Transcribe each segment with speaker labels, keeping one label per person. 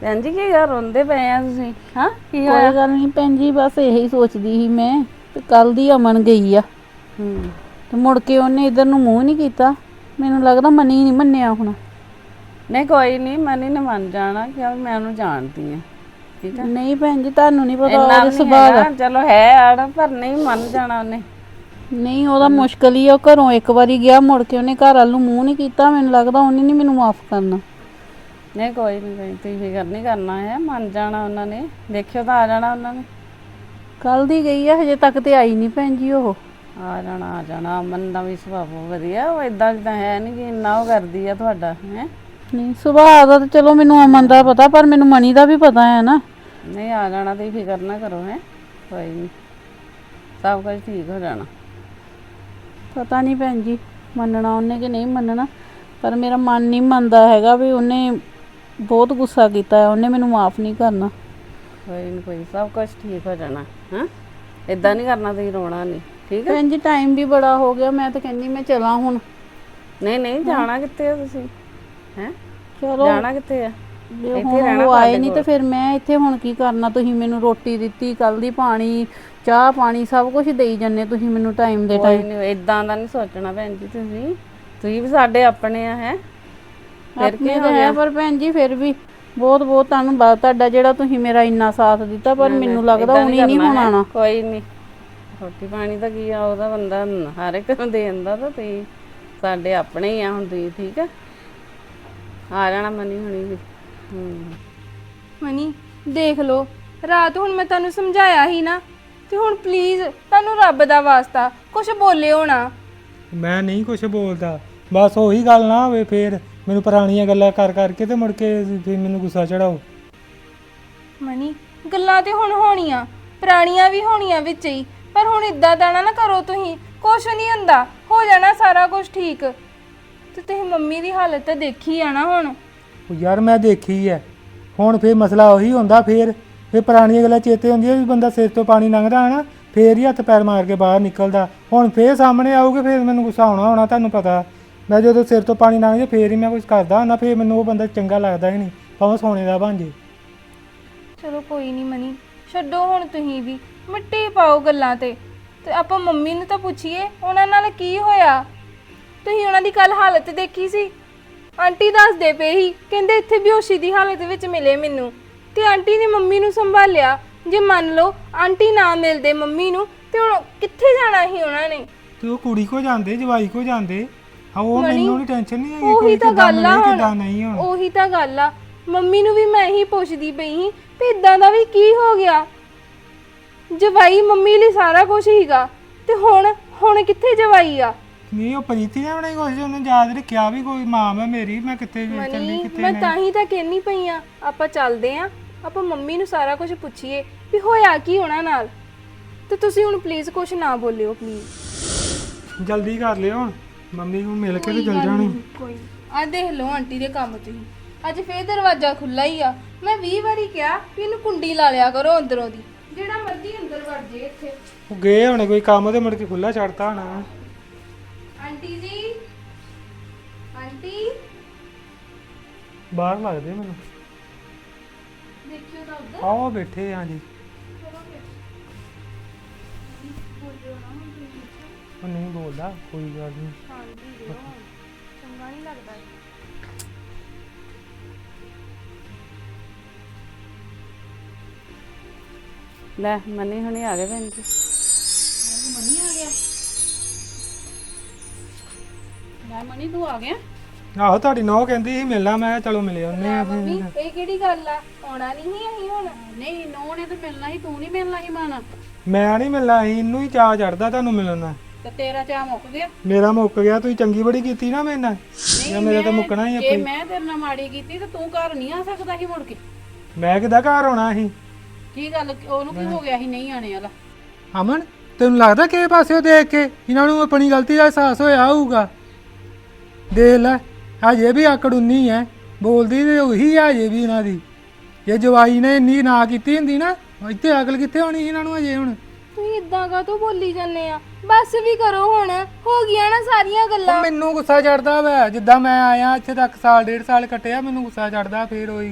Speaker 1: ਭੈਣ ਜੀ ਕੀ ਗੱਲ ਰੋਂਦੇ ਪਏ ਆ ਤੁਸੀਂ? ਹਾਂ ਕੀ
Speaker 2: ਕੋਈ
Speaker 1: ਹੋਇਆ?
Speaker 2: ਗੱਲ ਨਹੀਂ ਭੈਣ ਜੀ, ਬਸ ਇਹੀ ਸੋਚਦੀ ਸੀ ਮੈਂ ਤੇ ਕੱਲ ਦੀ ਅਮਨ ਗਈ ਆ ਤੇ ਮੁੜ ਕੇ ਉਹਨੇ ਇਧਰ ਨੂੰ ਮੂੰਹ ਨਹੀਂ ਕੀਤਾ। ਮੈਨੂੰ ਲੱਗਦਾ ਮਨੀ ਨਹੀਂ ਮੰਨਿਆ ਹੁਣ।
Speaker 1: ਨਹੀਂ ਕੋਈ ਨਹੀਂ, ਮਨੀ ਨੇ ਮੰਨ ਜਾਣਾ ਕਿਉਂ, ਮੈਂ ਉਹਨੂੰ ਜਾਣਦੀ ਆ। ਠੀਕ ਆ,
Speaker 2: ਨਹੀਂ ਭੈਣ ਜੀ, ਤੁਹਾਨੂੰ ਨਹੀਂ ਪਤਾ
Speaker 1: ਇੰਨਾ
Speaker 2: ਉਹਦੇ
Speaker 1: ਵੀ ਨਹੀਂ
Speaker 2: ਸੁਭਾਅ ਦਾ।
Speaker 1: ਹੈਗਾ, ਚਲੋ ਹੈ ਆੜ ਪਰ ਨਹੀਂ ਮੰਨ ਜਾਣਾ ਉਹਨੇ।
Speaker 2: ਨਹੀਂ ਉਹਦਾ ਮੁਸ਼ਕਲ ਹੀ ਆ, ਉਹ ਘਰੋਂ ਇੱਕ ਵਾਰੀ ਗਿਆ ਮੁੜ ਕੇ ਉਹਨੇ ਘਰ ਵੱਲ ਨੂੰ ਮੂੰਹ ਨਹੀਂ ਕੀਤਾ। ਮੈਨੂੰ ਲੱਗਦਾ ਉਹਨੇ ਨਹੀਂ ਮੈਨੂੰ ਮਾਫ ਕਰਨਾ।
Speaker 1: ਨਹੀਂ ਕੋਈ ਨਹੀਂ, ਤੁਸੀਂ ਫਿਕਰ ਨਹੀਂ ਕਰਨਾ ਹੈ, ਮੰਨ ਜਾਣਾ ਉਹਨਾਂ ਨੇ। ਦੇਖਿਓ ਤਾਂ ਆ ਜਾਣਾ ਉਹਨਾਂ ਨੇ।
Speaker 2: ਕੱਲ ਦੀ ਗਈ ਆ, ਹਜੇ ਤੱਕ ਤੇ ਆਈ ਨਹੀਂ ਭੈਣ ਜੀ ਉਹ।
Speaker 1: ਆ ਜਾਣਾ। ਅਮਨ ਦਾ ਵੀ ਸੁਭਾਅ ਬਹੁਤ ਵਧੀਆ, ਉਹ ਇਦਾਂ ਜਿੱਦਾਂ ਹੈ ਨਹੀਂ ਕਿ ਇੰਨਾ ਉਹ ਕਰਦੀ ਆ ਤੁਹਾਡਾ ਹੈ।
Speaker 2: ਨਹੀਂ ਸੁਭਾਅ ਦਾ ਤਾਂ ਚਲੋ ਮੈਨੂੰ ਅਮਨ ਦਾ ਪਤਾ, ਪਰ ਮੈਨੂੰ ਮਨੀ ਦਾ ਵੀ ਪਤਾ ਹੈ ਨਾ।
Speaker 1: ਨਹੀਂ ਆ ਜਾਣਾ, ਤੁਸੀਂ ਫਿਕਰ ਨਾ ਕਰੋ ਹੈ, ਕੋਈ ਨਹੀਂ, ਸਭ ਕੁਝ ਠੀਕ ਹੋ ਜਾਣਾ।
Speaker 2: ਪਤਾ ਨਹੀਂ ਭੈਣ ਜੀ ਮੰਨਣਾ ਉਹਨੇ ਕਿ ਨਹੀਂ ਮੰਨਣਾ, ਪਰ ਮੇਰਾ ਮਨ ਨਹੀਂ ਮੰਨਦਾ ਹੈਗਾ ਵੀ ਉਹਨੇ ਬਹੁਤ ਗੁੱਸਾ ਕੀਤਾ ਹੈ, ਉਹਨੇ ਮੈਨੂੰ ਮਾਫ ਨਹੀਂ ਕਰਨਾ।
Speaker 1: ਕੋਈ ਨਹੀਂ ਕੋਈ, ਸਭ ਕੁਝ ਠੀਕ ਹੋ ਜਾਣਾ। ਹਾਂ ਇਦਾਂ ਨਹੀਂ ਕਰਨਾ, ਤੁਸੀਂ ਰੋਣਾ ਨਹੀਂ, ਠੀਕ ਹੈ।
Speaker 2: ਭੈਣ ਜੀ ਟਾਈਮ ਵੀ ਬੜਾ ਹੋ ਗਿਆ, ਮੈਂ ਤਾਂ ਕਹਿੰਦੀ ਮੈਂ ਚਲਾਂ ਹੁਣ।
Speaker 1: ਨਹੀਂ ਜਾਣਾ ਕਿੱਥੇ ਆ ਤੁਸੀਂ? ਹੈ
Speaker 2: ਚਲੋ
Speaker 1: ਜਾਣਾ ਕਿੱਥੇ ਆ? ਇੱਥੇ ਰਹਿਣਾ
Speaker 2: ਉਹ ਆਏ
Speaker 1: ਤੁਹਾਡੇ
Speaker 2: ਨਹੀਂ ਤੇ
Speaker 1: ਕੋਲ।
Speaker 2: ਫਿਰ ਮੈਂ ਇੱਥੇ ਹੁਣ ਕੀ ਕਰਨਾ? ਤੁਸੀਂ ਮੈਨੂੰ ਰੋਟੀ ਦਿੱਤੀ, ਕੱਲ ਦੀ ਪਾਣੀ ਚਾਹ ਪਾਣੀ ਸਭ ਕੁਝ ਦੇਈ ਜੰਨੇ ਤੁਸੀਂ ਮੈਨੂੰ ਟਾਈਮ ਦੇ
Speaker 1: ਕੋਈ
Speaker 2: ਟਾਈਮ।
Speaker 1: ਨਹੀਂ, ਇਦਾਂ ਦਾ ਨਹੀਂ ਸੋਚਣਾ ਭੈਣ ਜੀ, ਤੁਸੀਂ ਵੀ ਸਾਡੇ ਆਪਣੇ ਆ ਹੈ। ਫਿਰ ਕੀ
Speaker 2: ਆਪਣੇ
Speaker 1: ਹੋ
Speaker 2: ਤਾਂ ਹੈ,
Speaker 1: ਗਿਆ?
Speaker 2: ਪਰ ਭੈਣ ਜੀ ਫਿਰ ਵੀ ਬਹੁਤ ਬਹੁਤ ਧੰਨਵਾਦ ਤੁਹਾਡਾ ਜਿਹੜਾ ਤੁਸੀਂ ਮੇਰਾ ਇੰਨਾ ਸਾਥ ਦਿੱਤਾ, ਪਰ ਮੈਨੂੰ ਲੱਗਦਾ
Speaker 1: ਏਦਾਂ
Speaker 2: ਉਹਨੇ ਨਹੀਂ
Speaker 1: ਕਰਨਾ
Speaker 2: ਹੁਣ
Speaker 1: ਹੈ।
Speaker 2: ਆਉਣਾ।
Speaker 1: ਕੋਈ ਨਹੀਂ, ਰੋਟੀ ਪਾਣੀ ਤਾਂ ਕੀ ਆ, ਉਹਦਾ ਬੰਦਾ ਹਰ ਇੱਕ ਨੂੰ ਦੇ ਦਿੰਦਾ, ਤਾਂ ਤੁਸੀਂ ਸਾਡੇ ਆਪਣੇ ਹੀ ਆ ਹੁਣ, ਤੁਸੀਂ ਠੀਕ ਆ ਜਾਣਾ ਮਨੀ ਹੁਣੀ ਵੀ।
Speaker 3: ਮਨੀ ਦੇਖ ਲਓ, ਰਾਤ ਹੁਣ ਮੈਂ ਤੁਹਾਨੂੰ ਸਮਝਾਇਆ ਹੀ ਨਾ, ਤੇ ਹੁਣ ਪਲੀਜ਼ ਤੁਹਾਨੂੰ ਰੱਬ ਦਾ ਵਾਸਤਾ ਕੁਝ ਬੋਲਿਓ ਨਾ।
Speaker 4: ਮੈਂ ਨਹੀਂ ਕੁਛ ਬੋਲਦਾ, ਬਸ ਉਹੀ ਗੱਲ ਨਾ ਹੋਵੇ ਫੇਰ ਮੈਨੂੰ ਪੁਰਾਣੀਆਂ ਗੱਲਾਂ ਕਰ ਕਰਕੇ ਤੇ ਮੁੜ ਕੇ ਫਿਰ ਮੈਨੂੰ ਗੁੱਸਾ ਚੜਾਓ।
Speaker 3: ਮਨੀ ਗੱਲਾਂ ਤੇ ਹੁਣ ਹੋਣੀਆਂ, ਪੁਰਾਣੀਆਂ ਵੀ ਹੋਣੀਆਂ ਵਿੱਚ ਹੀ, ਪਰ ਹੁਣ ਇਦਾਂ ਦਾ ਨਾ ਕਰੋ ਤੁਸੀਂ। ਕੁਛ ਨਹੀਂ ਹੁੰਦਾ, ਹੋ ਜਾਣਾ ਸਾਰਾ ਕੁਝ ਠੀਕ। ਤੇ ਤੁਸੀਂ ਮੰਮੀ ਦੀ ਹਾਲਤ ਤਾਂ ਦੇਖੀ ਆ ਨਾ ਹੁਣ।
Speaker 4: ਉਹ ਯਾਰ ਮੈਂ ਦੇਖੀ ਐ, ਹੁਣ ਫੇਰ ਮਸਲਾ ਉਹੀ ਹੁੰਦਾ, ਫੇਰ ਪੁਰਾਣੀਆਂ ਗੱਲਾਂ ਚੇਤੇ ਹੁੰਦੀਆਂ ਵੀ ਬੰਦਾ ਸਿਰ ਤੋਂ ਪਾਣੀ ਲੰਘਦਾ ਹੈ ਨਾ, ਫੇਰ ਹੀ ਹੱਥ ਪੈਰ ਮਾਰ ਕੇ ਬਾਹਰ ਨਿਕਲਦਾ। ਹੁਣ ਫੇਰ ਸਾਹਮਣੇ ਆਊਗੇ, ਫੇਰ ਮੈਨੂੰ ਗੁੱਸਾ ਹੋਣਾ ਤੁਹਾਨੂੰ ਪਤਾ। ਮੈਂ ਜਦੋਂ ਸਿਰ ਤੋਂ ਪਾਣੀ ਲੰਘ ਜੇ ਫੇਰ ਹੀ ਮੈਂ ਕੁਝ ਕਰਦਾ ਹੁੰਦਾ, ਫੇਰ ਮੈਨੂੰ ਉਹ ਬੰਦਾ ਚੰਗਾ ਲੱਗਦਾ ਹੀ ਨਹੀਂ, ਭਾਵੇਂ ਸੋਨੇ ਦਾ ਬਣ ਜੇ।
Speaker 3: ਚਲੋ ਕੋਈ ਨਹੀਂ ਮਨੀ, ਛੱਡੋ ਹੁਣ ਤੁਸੀਂ ਵੀ, ਮਿੱਟੀ ਪਾਓ ਗੱਲਾਂ ਤੇ ਆਪਾਂ ਮੰਮੀ ਨੂੰ ਤਾਂ ਪੁੱਛੀਏ ਉਹਨਾਂ ਨਾਲ ਕੀ ਹੋਇਆ। ਤੁਸੀਂ ਉਹਨਾਂ ਦੀ ਕੱਲ ਹਾਲਤ ਦੇਖੀ ਸੀ? ਆਂਟੀ ਦੱਸਦੇ ਪਏ ਸੀ, ਕਹਿੰਦੇ ਇੱਥੇ ਬੇਹੋਸ਼ੀ ਦੀ ਹਾਲਤ ਵਿੱਚ ਮਿਲੇ ਮੈਨੂੰ, ਤੇ ਆਂਟੀ ਨੇ ਮੰਮੀ ਨੂੰ ਸੰਭਾਲਿਆ। ਜੇ ਮੰਨ ਲਓ ਆਂਟੀ ਨਾ ਮਿਲਦੇ ਮੰਮੀ ਨੂੰ, ਤੇ ਹੁਣ ਕਿੱਥੇ ਜਾਣਾ ਸੀ ਉਹਨਾਂ ਨੇ?
Speaker 4: ਤੇ ਉਹ ਕੁੜੀ ਕੋ ਜਾਂਦੇ, ਜਵਾਈ ਕੋ ਜਾਂਦੇ। ਹਾਂ ਉਹ
Speaker 3: ਮਣੀ,
Speaker 4: ਮੈਨੂੰ ਨਹੀਂ ਟੈਨਸ਼ਨ ਨਹੀਂ ਹੈਗੀ,
Speaker 3: ਉਹੀ
Speaker 4: ਕੋਈ
Speaker 3: ਤਾਂ
Speaker 4: ਕਿੱਦਾਂ
Speaker 3: ਗੱਲ ਆ
Speaker 4: ਮਿਲੇ
Speaker 3: ਹੁਣ,
Speaker 4: ਕਿੱਦਾਂ ਨਹੀਂ। ਹੁਣ
Speaker 3: ਉਹੀ ਤਾਂ ਗੱਲ ਆ। ਮੰਮੀ ਨੂੰ ਵੀ ਮੈਂ ਹੀ ਪੁੱਛਦੀ ਪਈ ਸੀ ਵੀ ਇਦਾਂ ਦਾ ਵੀ ਕੀ ਹੋ ਗਿਆ। ਜਵਾਈ ਮੰਮੀ ਲਈ ਸਾਰਾ ਕੁਝ ਹੀਗਾ, ਤੇ ਹੁਣ ਕਿੱਥੇ ਜਵਾਈ ਆ?
Speaker 4: ਨਹੀਂ ਉਹ ਪ੍ਰੀਤੀ ਨੇ ਬਣਾਈ ਕੁਛ, ਉਹਨੂੰ ਯਾਦ ਰੱਖਿਆ ਵੀ ਕੋਈ ਮਾਂ ਹੈ ਮੇਰੀ, ਮੈਂ ਕਿੱਥੇ ਚੱਲੀ
Speaker 3: ਮਨੀ
Speaker 4: ਕਿੱਥੇ
Speaker 3: ਮੈਂ
Speaker 4: ਨਹੀਂ।
Speaker 3: ਤਾਂ ਹੀ ਤਾਂ ਕਹਿਣੀ ਪਈ ਆ, ਆਪਾਂ ਚੱਲਦੇ ਆ, ਆਪਾਂ ਮੰਮੀ ਨੂੰ ਸਾਰਾ ਕੁਝ ਪੁੱਛੀਏ ਵੀ ਹੋਇਆ ਕੀ ਉਹਨਾਂ ਨਾਲ। ਤੇ ਤੁਸੀਂ ਹੁਣ ਪਲੀਜ਼ ਕੁਝ ਨਾ ਬੋਲਿਓ ਪਲੀਜ਼।
Speaker 4: ਜਲਦੀ ਕਰ ਲਿਓ, ਹੁਣ ਮੰਮੀ ਨੂੰ ਮਿਲ ਕੇ ਤੇ ਚਲ ਜਾਣੀ।
Speaker 3: ਕੋਈ ਆ ਦੇਖ ਲਓ ਆਂਟੀ ਦੇ ਕੰਮ ਤੁਸੀਂ, ਅੱਜ ਫੇਰ ਦਰਵਾਜ਼ਾ ਖੁੱਲਾ ਹੀ ਆ। ਮੈਂ 20 ਵਾਰੀ ਕਿਹਾ ਵੀ ਇਹਨੂੰ ਕੁੰਡੀ ਲਾ ਲਿਆ ਕਰੋ ਅੰਦਰੋਂ ਦੀ, ਜਿਹੜਾ ਮਰਜ਼ੀ ਅੰਦਰ ਵੜ ਜੇ ਇੱਥੇ।
Speaker 4: ਉਹ ਗਏ ਹੋਣੇ ਕੋਈ ਕੰਮ ਤੇ ਮੁੜ ਕੇ ਖੁੱਲਾ ਛੱਡਤਾ ਹੋਣਾ।
Speaker 3: ਆਂਟੀ ਜੀ, ਆਂਟੀ
Speaker 4: ਬਾਹਰ ਲੱਗਦੇ ਮੈਨੂੰ।
Speaker 3: ਦੇਖਿਓ ਤਾਂ ਉੱਧਰ।
Speaker 4: ਆਓ ਬੈਠੇ ਹਾਂ ਜੀ। ਉਹ ਨਹੀਂ ਬੋਲਦਾ, ਕੋਈ ਗੱਲ ਨਹੀਂ।
Speaker 3: ਹਾਂਜੀ ਚੰਗਾ ਨਹੀਂ ਲੱਗਦਾ।
Speaker 1: ਲੈ ਮਨੀ ਹੁਣੀ ਆ ਗਏ ਭੈਣ ਜੀ।
Speaker 2: ਮਨੀ ਆ ਗਿਆ? ਮੈਂ ਮਨੀ ਤੂੰ ਆ ਗਿਆ?
Speaker 4: ਆਹੋ ਤੁਹਾਡੀ ਨੌ ਕਹਿੰਦੀ ਸੀ ਮਿਲਣਾ, ਮੈਂ ਕਿਹਾ ਚਲੋ ਮਿਲੇ ਉਹਨੇ ਆ
Speaker 3: ਮੰਮੀ
Speaker 4: ਫਿਰ।
Speaker 3: ਇਹ ਕਿਹੜੀ ਗੱਲ ਆ? ਆਉਣਾ ਨਹੀਂ ਸੀ ਅਸੀਂ ਹੁਣ?
Speaker 2: ਨਹੀਂ ਨੋ ਨੇ ਤਾਂ ਮਿਲਣਾ ਸੀ, ਤੂੰ ਨਹੀਂ ਮਿਲਣਾ ਸੀ ਮਾਣਾ।
Speaker 4: ਮੈਂ ਨਹੀਂ ਮਿਲਣਾ ਸੀ, ਇਹਨੂੰ ਹੀ ਚਾਅ ਚੜਦਾ ਤੁਹਾਨੂੰ ਮਿਲਣ ਦਾ।
Speaker 2: ਤੇ ਤੇਰਾ ਚਾਹ ਮੁੱਕ ਗਿਆ?
Speaker 4: ਮੇਰਾ ਮੁੱਕ ਗਿਆ, ਤੁਸੀਂ ਚੰਗੀ ਬੜੀ ਕੀਤੀ ਨਾ ਮੇਰੇ ਨਾਲ। ਜਾਂ ਮੇਰਾ ਤਾਂ ਮੁੱਕਣਾ ਹੀ
Speaker 2: ਜੇ
Speaker 4: ਆਪੇ।
Speaker 2: ਮੈਂ ਤੇਰੇ ਨਾਲ ਮਾੜੀ ਕੀਤੀ ਤੇ ਤੂੰ ਘਰ ਨਹੀਂ ਆ ਸਕਦਾ ਸੀ ਮੁੜ ਕੇ?
Speaker 4: ਮੈਂ ਕਿੱਦਾਂ ਘਰ ਆਉਣਾ ਸੀ?
Speaker 2: ਕੀ ਗੱਲ, ਉਹਨੂੰ ਕੀ ਹੋ ਗਿਆ ਸੀ ਨਹੀਂ ਆਣੇ ਵਾਲਾ?
Speaker 4: ਅਮਨ ਤੈਨੂੰ ਲੱਗਦਾ ਕਿਸੇ ਪਾਸਿਓਂ ਦੇਖ ਕੇ ਇਹਨਾਂ ਨੂੰ ਆਪਣੀ ਗਲਤੀ ਦਾ ਅਹਿਸਾਸ ਹੋਇਆ ਹੋਊਗਾ? ਦੇਖ ਲੈ ਹਜੇ ਵੀ ਆਕੜ ਉਨੀ ਹੈ, ਬੋਲਦੀ ਤੇ ਉਹੀ ਹੈ ਹਜੇ ਵੀ ਇਹਨਾਂ ਦੀ। ਜੇ ਜਵਾਈ ਨੇ ਇੰਨੀ ਨਾ ਕੀਤੀ ਹੁੰਦੀ ਨਾ, ਇੱਥੇ ਅਕਲ ਕਿੱਥੇ ਹੋਣੀ ਸੀ ਇਹਨਾਂ ਨੂੰ ਹਜੇ। ਹੁਣ
Speaker 3: ਤੁਸੀਂ ਇਦਾਂ ਕਾਹਤੋਂ ਬੋਲੀ ਜਾਂਦੇ ਆ? ਬਸ ਵੀ ਕਰੋ ਹੁਣ, ਹੋ ਗਈਆਂ ਨਾ ਸਾਰੀਆਂ ਗੱਲਾਂ।
Speaker 4: ਉਹ ਮੈਨੂੰ ਗੁੱਸਾ ਚੜਦਾ ਵਾ, ਜਿੱਦਾਂ ਮੈਂ ਆਇਆ ਇੱਥੇ ਤੱਕ ਸਾਲ ਡੇਢ ਸਾਲ ਕੱਟਿਆ, ਮੈਨੂੰ ਗੁੱਸਾ ਚੜਦਾ ਫੇਰ ਉਹੀ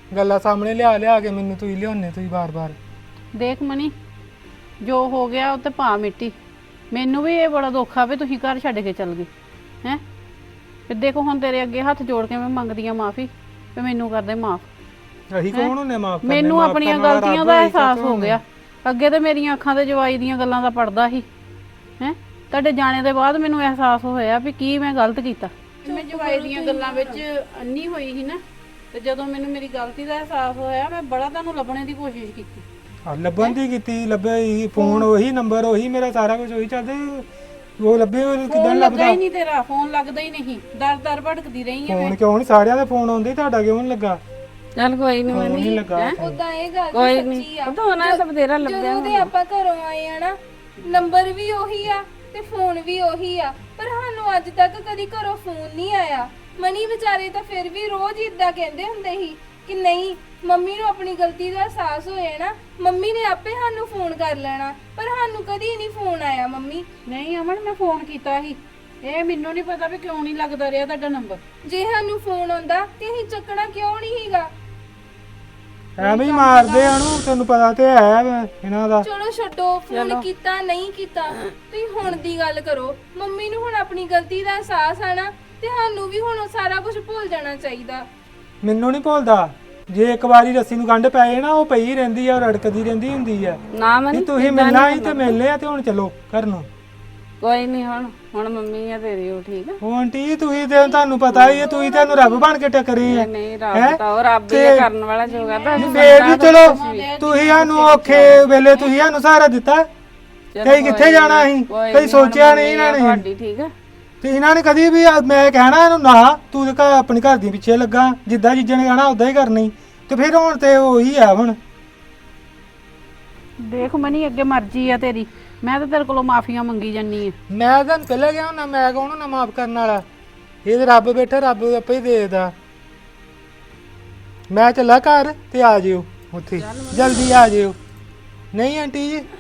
Speaker 4: ਗੱਲਾਂ ਸਾਹਮਣੇ ਲਿਆ ਕੇ ਮੈਨੂੰ ਤੁਸੀਂ ਲਿਆਉਂਦੇ ਤੁਸੀਂ ਬਾਰ-ਬਾਰ।
Speaker 2: ਦੇਖ ਮਨੀ, ਜੋ ਹੋ ਗਿਆ ਉਹ ਤੇ ਭਾ ਮਿੱਟੀ। ਮੈਨੂੰ ਵੀ ਇਹ ਬੜਾ ਦੁੱਖ ਆ ਵੀ ਤੁਸੀਂ ਘਰ ਛੱਡ ਕੇ ਚੱਲ ਗਏ ਹੈ। ਤੇ ਦੇਖੋ ਹੁਣ ਤੇਰੇ ਅੱਗੇ ਹੱਥ ਜੋੜ ਕੇ ਮੈਂ ਮੰਗਦੀ ਆ ਮਾਫੀ ਤੇ ਮੈਨੂੰ ਕਰ ਦੇ ਮਾਫ।
Speaker 4: ਅਸੀਂ ਕੌਣ ਹੁੰਨੇ ਮਾਫ ਕਰਨੇ?
Speaker 2: ਮੈਨੂੰ ਆਪਣੀਆਂ ਗਲਤੀਆਂ ਦਾ ਅਹਿਸਾਸ ਹੋ ਗਿਆ। ਅੱਗੇ ਤੇ ਮੇਰੀਆਂ ਅੱਖਾਂ ਤੇ ਜਵਾਈ ਦੀਆਂ ਗੱਲਾਂ ਦਾ ਪੜਦਾ ਸੀ ਹੈ। ਤੁਹਾਡੇ ਜਾਣੇ ਦੇ ਬਾਅਦ ਮੈਨੂੰ ਅਹਿਸਾਸ ਹੋਇਆ ਵੀ ਕੀ ਮੈਂ ਗਲਤ ਕੀਤਾ। ਮੈਂ ਜਵਾਈ ਦੀਆਂ ਗੱਲਾਂ ਵਿੱਚ ਅੰਨੀ ਹੋਈ ਸੀ ਨਾ, ਤੇ ਜਦੋਂ ਮੈਨੂੰ ਮੇਰੀ ਗਲਤੀ ਦਾ ਅਹਿਸਾਸ ਹੋਇਆ ਮੈਂ ਬੜਾ ਤੁਹਾਨੂੰ ਲੱਭਣੇ ਦੀ ਕੋਸ਼ਿਸ਼ ਕੀਤੀ।
Speaker 4: ਲੱਭਣ ਦੀ ਕੀਤੀ, ਲੱਭਿਆ ਹੀ ਫੋਨ ਉਹੀ ਨੰਬਰ ਉਹੀ ਮੇਰਾ ਸਾਰਾ ਕੁਝ ਉਹੀ ਚੱਲਦੇ, ਉਹ ਲੱਭੇ ਕਿਦਾਂ
Speaker 2: ਫੋਨ ਲੱਗਾ
Speaker 4: ਲੱਭਦਾ?
Speaker 2: ਹੀ ਨਹੀਂ ਤੇਰਾ, ਫੋਨ ਲੱਗਦਾ ਹੀ ਨਹੀਂ। ਦਰ ਭਟਕਦੀ ਰਹੀ ਆ
Speaker 4: ਫੋਨ ਕਿਉਂ ਨਹੀਂ? ਸਾਰਿਆਂ ਦੇ ਫੋਨ ਆਉਂਦੇ, ਤੁਹਾਡਾ ਕਿਉਂ ਨਹੀਂ ਲੱਗਾ?
Speaker 1: ਚੱਲ ਕੋਈ ਨਹੀਂ
Speaker 4: ਫੋਨ
Speaker 1: ਮਨੀ,
Speaker 4: ਨਹੀਂ ਲੱਗਾ।
Speaker 3: ਉਦਾਂ ਇਹ ਗੱਲ
Speaker 1: ਕੋਈ
Speaker 3: ਤਾਂ
Speaker 1: ਨਹੀਂ
Speaker 3: ਸੱਚੀ ਆ।
Speaker 1: ਪਤਾ ਹੋਣਾ ਤਾਂ ਬਥੇਰਾ ਲੱਭਿਆ
Speaker 3: ਜਦੋਂ ਦੇ ਆਪਾਂ ਘਰੋਂ ਆਏ ਆ ਨਾ, ਨੰਬਰ ਵੀ ਉਹੀ ਆ ਤੇ ਫੋਨ ਵੀ ਉਹੀ ਆ, ਪਰ ਸਾਨੂੰ ਅੱਜ ਤੱਕ ਕਦੀ ਘਰੋਂ ਫੋਨ ਨਹੀਂ ਆਇਆ। ਮਨੀ ਵਿਚਾਰੇ ਤਾਂ ਫਿਰ ਵੀ ਰੋਜ਼ ਇਦਾਂ ਕਹਿੰਦੇ ਹੁੰਦੇ ਸੀ ਕਿ ਨਹੀਂ, ਮੰਮੀ ਨੂੰ ਆਪਣੀ ਗਲਤੀ ਦਾ ਅਹਿਸਾਸ ਹੋਇਆ ਨਾ, ਮੰਮੀ ਨੇ ਆਪੇ ਸਾਨੂੰ ਫੋਨ ਕਰ ਲੈਣਾ, ਪਰ ਸਾਨੂੰ ਕਦੀ ਨਹੀਂ ਫੋਨ ਆਇਆ ਮੰਮੀ।
Speaker 2: ਨਹੀਂ ਅਮਨ, ਮੈਂ ਫੋਨ ਕੀਤਾ ਸੀ। ਇਹ ਮੈਨੂੰ ਨਹੀਂ ਪਤਾ ਵੀ ਕਿਉਂ ਨਹੀਂ ਲੱਗਦਾ ਰਿਹਾ ਤੁਹਾਡਾ ਨੰਬਰ।
Speaker 3: ਜੇ ਸਾਨੂੰ ਫੋਨ ਆਉਂਦਾ ਤੇ ਅਸੀਂ ਚੱਕਣਾ ਕਿਉਂ ਨਹੀਂ ਹੀਗਾ?
Speaker 4: ਐਵੇਂ ਹੀ ਮਾਰਦੇ ਆ ਨੂੰ, ਤੈਨੂੰ ਪਤਾ ਤੇ ਹੈ ਇਹਨਾਂ ਦਾ।
Speaker 3: ਚਲੋ ਛੱਡੋ, ਫੋਨ ਕੀਤਾ ਨਹੀਂ ਕੀਤਾ, ਤੁਸੀਂ ਹੁਣ ਦੀ ਗੱਲ ਕਰੋ। ਮੰਮੀ ਨੂੰ ਹੁਣ ਆਪਣੀ ਗਲਤੀ ਦਾ ਅਹਿਸਾਸ ਆ ਨਾ, ਤੇ ਸਾਨੂੰ ਵੀ ਹੁਣ ਸਾਰਾ ਕੁਝ ਭੁੱਲ ਜਾਣਾ ਚਾਹੀਦਾ।
Speaker 4: ਮੈਨੂੰ ਨਹੀਂ ਭੁੱਲਦਾ। ਜੇ ਇੱਕ ਵਾਰੀ ਰੱਸੀ ਨੂੰ ਗੰਢ ਪੈ ਜਾਏ ਨਾ, ਉਹ ਪਈ ਰਹਿੰਦੀ ਆ, ਰੜਕਦੀ ਰਹਿੰਦੀ ਹੁੰਦੀ ਆ।
Speaker 1: ਨਾ ਮਨੀ,
Speaker 4: ਨਹੀਂ ਤੁਸੀਂ ਮਿਲਣਾ ਹੀ ਤੇ ਮਿਲਨੇ ਆ, ਤੇ ਹੁਣ ਚਲੋ ਘਰ ਨੂੰ।
Speaker 1: ਕੋਈ ਨਹੀਂ, ਹੁਣ ਮੰਮੀ ਆ ਤੇਰੀ ਉਹ ਠੀਕ ਆ।
Speaker 4: ਉਹ ਆਂਟੀ ਤੁਸੀਂ ਤੇ ਤੁਹਾਨੂੰ ਪਤਾ ਹੀ ਹੈ, ਤੁਸੀਂ ਤੁਹਾਨੂੰ ਰੱਬ ਬਣ ਕੇ ਟੱਕਰੇ ਆ।
Speaker 1: ਨਹੀਂ ਰੱਬ ਤਾਂ ਉਹ ਰੱਬ ਹੀ ਆ ਕਰਨ ਵਾਲਾ ਜੋ ਕਰਦਾ।
Speaker 4: ਫੇਰ ਵੀ ਚਲੋ ਤੁਸੀਂ ਸਾਨੂੰ ਔਖੇ ਵੇਲੇ ਤੁਸੀਂ ਸਾਨੂੰ ਸਹਾਰਾ ਦਿੱਤਾ। ਕਈ ਕਿੱਥੇ ਜਾਣਾ ਅਸੀਂ, ਕਈ ਸੋਚਿਆ ਨਹੀਂ ਇਹਨਾਂ ਨੇ।
Speaker 1: ਤੁਹਾਡੀ ਠੀਕ ਆ।
Speaker 4: ਤੇ ਇਹਨਾਂ ਨੇ ਕਦੀ ਵੀ ਮੈਂ ਕਹਿਣਾ ਇਹਨੂੰ ਨਾ, ਤੂੰ ਤੇ ਘਰ ਆਪਣੀ ਘਰ ਦੀ ਪਿੱਛੇ ਲੱਗਾ, ਜਿੱਦਾਂ ਜੀਜੇ ਨੇ ਕਹਿਣਾ ਉਦਾਂ ਹੀ ਕਰਨੀ। ਤੇ ਫਿਰ ਹੁਣ ਤੇ ਉਹੀ ਆ। ਹੁਣ
Speaker 2: ਦੇਖ ਮਨੀ, ਅੱਗੇ ਮਰਜ਼ੀ ਆ ਤੇਰੀ, ਮੈਂ ਤਾਂ ਤੇਰੇ ਕੋਲੋਂ ਮਾਫੀਆਂ ਮੰਗੀ ਜਾਨੀ ਆ।
Speaker 4: ਮੈਂ ਤਾਂ ਪਹਿਲਾਂ ਗਿਆ ਹੁੰਦਾ, ਮੈਂ ਕੌਣ ਨਾ ਮਾਫ ਕਰਨ ਵਾਲਾ? ਇਹ ਤੇ ਰੱਬ ਬੈਠਾ, ਰੱਬ ਆਪੇ ਹੀ ਦੇਦਾ। ਮੈਂ ਚੱਲਾ ਘਰ, ਤੇ ਆ ਜਿਓ ਉੱਥੇ, ਜਲਦੀ ਆ ਜਿਓ। ਨਹੀਂ ਆਂਟੀ ਜੀ,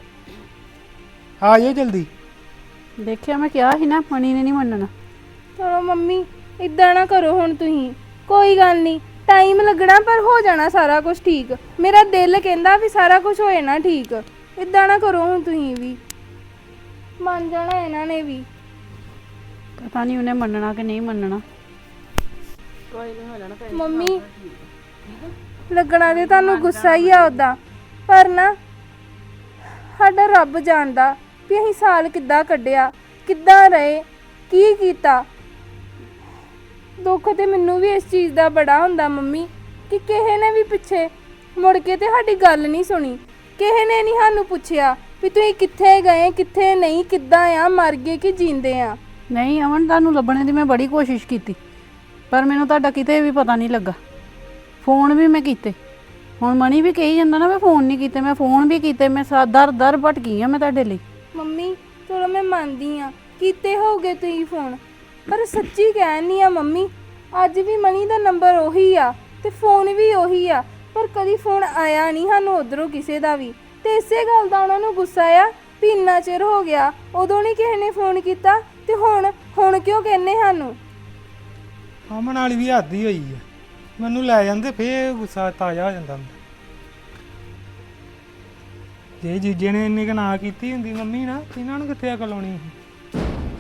Speaker 4: ਆ ਜਿਓ ਜਲਦੀ।
Speaker 2: ਦੇਖਿਆ, ਮੈਂ ਕਿਹਾ ਸੀ ਨਾ, ਮਣੀ ਨੇ ਨਹੀਂ ਮੰਨਣਾ।
Speaker 3: ਚਲੋ ਮੰਮੀ, ਇਦਾਂ ਨਾ ਕਰੋ ਹੁਣ ਤੁਸੀਂ। ਕੋਈ ਗੱਲ ਨਹੀਂ, ਟਾਈਮ ਲੱਗਣਾ ਪਰ ਹੋ ਜਾਣਾ ਸਾਰਾ ਕੁਝ ਠੀਕ। ਮੇਰਾ ਦਿਲ ਕਹਿੰਦਾ ਵੀ ਸਾਰਾ ਕੁਝ ਹੋਏ ਨਾ ਠੀਕ। ਇਦਾਂ ਨਾ ਕਰੋ ਹੁਣ ਤੁਸੀਂ ਵੀ, ਮੰਨ ਜਾਣਾ ਇਹਨਾਂ ਨੇ ਵੀ।
Speaker 2: ਪਤਾ ਨਹੀਂ ਉਹਨੇ ਮੰਨਣਾ ਕਿ ਨਹੀਂ ਮੰਨਣਾ।
Speaker 1: ਕੋਈ ਨਹੀਂ ਹੋ ਜਾਣਾ।
Speaker 3: ਮੰਮੀ, ਲੱਗਣਾ ਤੇ ਤੁਹਾਨੂੰ ਗੁੱਸਾ ਹੀ ਆ ਉਦਾਂ, ਪਰ ਨਾ ਸਾਡਾ ਰੱਬ ਜਾਣਦਾ ਵੀ ਅਸੀਂ ਸਾਲ ਕਿੱਦਾਂ ਕੱਢਿਆ, ਕਿੱਦਾਂ ਰਹੇ, ਕੀ ਕੀਤਾ। ਦੁੱਖ ਤੇ ਮੈਨੂੰ ਵੀ ਇਸ ਚੀਜ਼ ਦਾ ਬੜਾ ਹੁੰਦਾ ਮੰਮੀ, ਕਿ ਕਿਸੇ ਨੇ ਵੀ ਪਿੱਛੇ ਮੁੜ ਕੇ ਤੇ ਸਾਡੀ ਗੱਲ ਨਹੀਂ ਸੁਣੀ। ਕਿਸੇ ਨੇ ਨਹੀਂ ਸਾਨੂੰ ਪੁੱਛਿਆ ਵੀ ਤੁਸੀਂ ਕਿੱਥੇ ਗਏ, ਕਿੱਥੇ ਨਹੀਂ, ਕਿੱਦਾਂ ਆ, ਮਰ ਗਏ ਕਿ ਜਿੰਦੇ ਆ।
Speaker 2: ਨਹੀਂ ਅਮਨ, ਤੁਹਾਨੂੰ ਲੱਭਣੇ ਦੀ ਮੈਂ ਬੜੀ ਕੋਸ਼ਿਸ਼ ਕੀਤੀ, ਪਰ ਮੈਨੂੰ ਤੁਹਾਡਾ ਕਿਤੇ ਵੀ ਪਤਾ ਨਹੀਂ ਲੱਗਾ। ਫੋਨ ਵੀ ਮੈਂ ਕੀਤੇ, ਹੁਣ ਮਣੀ ਵੀ ਕਹੀ ਜਾਂਦਾ ਨਾ ਮੈਂ ਫੋਨ ਨਹੀਂ ਕੀਤੇ, ਮੈਂ ਫੋਨ ਵੀ ਕੀਤੇ। ਮੈਂ ਦਰ ਭਟਕੀ ਆ ਮੈਂ ਤੁਹਾਡੇ ਲਈ।
Speaker 3: ਮੰਮੀ ਚਲੋ ਮੈਂ ਮੰਨਦੀ ਆ, ਕੀਤੇ ਹੋਗੇ ਤੁਸੀਂ ਫੋਨ, ਪਰ ਸੱਚੀ ਕਹਿਣੀ ਆ ਮੰਮੀ, ਅੱਜ ਵੀ ਮਣੀ ਦਾ ਨੰਬਰ ਉਹੀ ਆ ਤੇ ਫੋਨ ਵੀ ਉਹੀ ਆ, ਪਰ ਕਦੀ ਫੋਨ ਆਇਆ ਨਹੀਂ ਸਾਨੂੰ ਉਧਰੋਂ ਕਿਸੇ ਦਾ ਵੀ। ਤੇ ਇਸੇ ਗੱਲ ਦਾ ਉਹਨਾਂ ਨੂੰ ਗੁੱਸਾ ਆ ਵੀ ਇੰਨਾ ਚਿਰ ਹੋ ਗਿਆ, ਉਦੋਂ ਨਹੀਂ ਕਿਸੇ ਨੇ ਫੋਨ ਕੀਤਾ, ਤੇ ਹੁਣ ਕਿਉਂ ਕਹਿੰਨੇ ਸਾਨੂੰ?
Speaker 4: ਅਮਨ ਵਾਲੀ ਵੀ ਹੱਦ ਹੀ ਹੋਈ ਆ। ਮੈਨੂੰ ਲੈ ਜਾਂਦੇ ਫੇਰ ਗੁੱਸਾ ਤਾਜ਼ਾ ਹੋ ਜਾਂਦਾ। ਜੇ ਜੀਜੇ ਨੇ ਇੰਨੀ ਕੁ ਨਾ ਕੀਤੀ ਹੁੰਦੀ ਮੰਮੀ ਨਾ, ਇਹਨਾਂ ਨੂੰ ਕਿੱਥੇ ਅਕਲ ਆਉਣੀ ਸੀ।